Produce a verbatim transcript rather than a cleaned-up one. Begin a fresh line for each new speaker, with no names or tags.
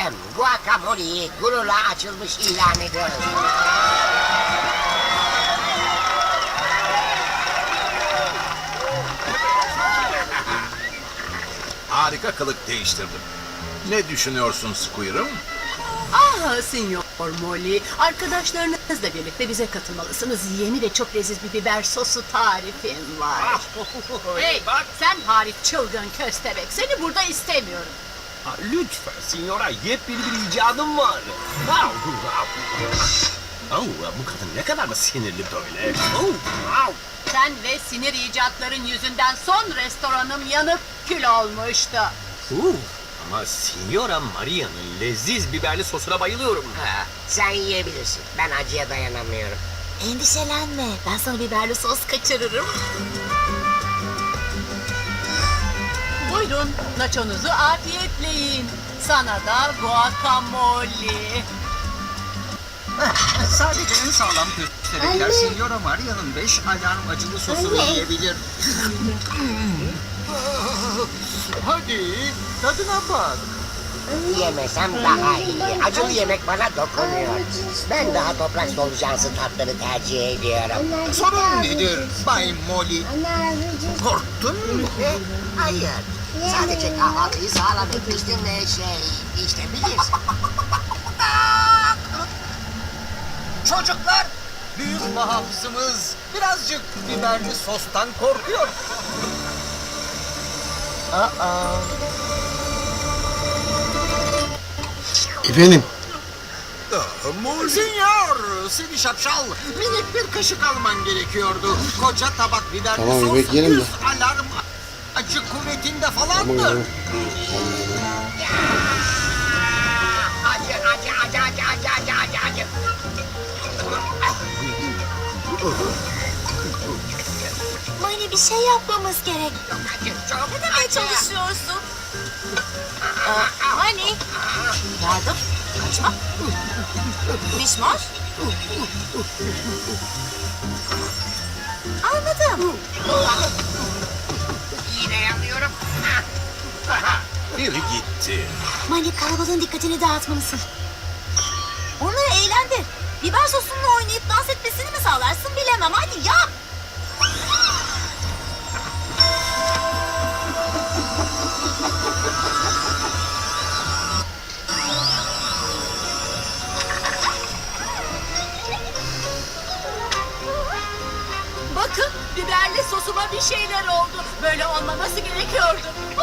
muhteşem guacamole'yi gururla açılmış ilan ediyoruz.
Harika kılık değiştirdim. Ne düşünüyorsun Squirrem?
Ah Sinyor Molly, arkadaşlarınızla birlikte bize katılmalısınız. Yeni ve çok leziz bir biber sosu tarifim var. Hey, sen hariç çılgın köstebek, seni burada istemiyorum.
Ha, lütfen Signora, yepyeni bir icadım var. Au, au. Au, bu kadın ne kadar da sinirli böyle. Au, au.
Sen ve sinir icatların yüzünden son restoranım yanıp kül olmuştu.
Uh, ama Signora Maria'nın leziz biberli sosuna bayılıyorum.
Ha, sen yiyebilirsin. Ben acıya dayanamıyorum.
Endişelenme, ben sana biberli sos kaçırırım. Buyurun, nachonuzu afiyetle yiyin. Sana da guacamole.
Sadece en sağlam köstebekler Signora Maria'nın beş alarm acılı sosunu yiyebilir. Hadi tadına bak.
Yemesem daha iyi. Acılı yemek bana dokunuyor. Ben daha toprak solucansı tatları tercih ediyorum.
Sorun nedir Bay Molly? Korktun mu?
E, hayır. Sadece kahvaltıyı sağlam etmiştim ve şey, işte bilirsin.
Çocuklar, büyük muhafızımız birazcık biberli sostan korkuyor.
Efendim?
Sinyor, seni şapşal. Minik bir kaşık alman gerekiyordu. Koca tabak biberli
Tamam,
sos
yemek yiyelim
yüz
mi?
alarm acı kuvvetinde
Tamam
falandır.
tamam.
Acı, acı, acı, acı, acı, acı, acı, acı.
Mani bir şey yapmamız gerek.
Çok acı, çok
Ne demeye
acı.
çalışıyorsun? Aa, Mani. Yardım. Kaçma. Mişmoş. Anladım.
Yine yanıyorum.
Biri gitti.
Mani kalabalığın dikkatini dağıtmalısın. Onları eğlendir. Biber sosunla oynayıp dans etmesini mi sağlarsın bilemem. Hadi yap.
Bakın, biberli sosuma bir şeyler oldu. Böyle olmaması gerekiyordu.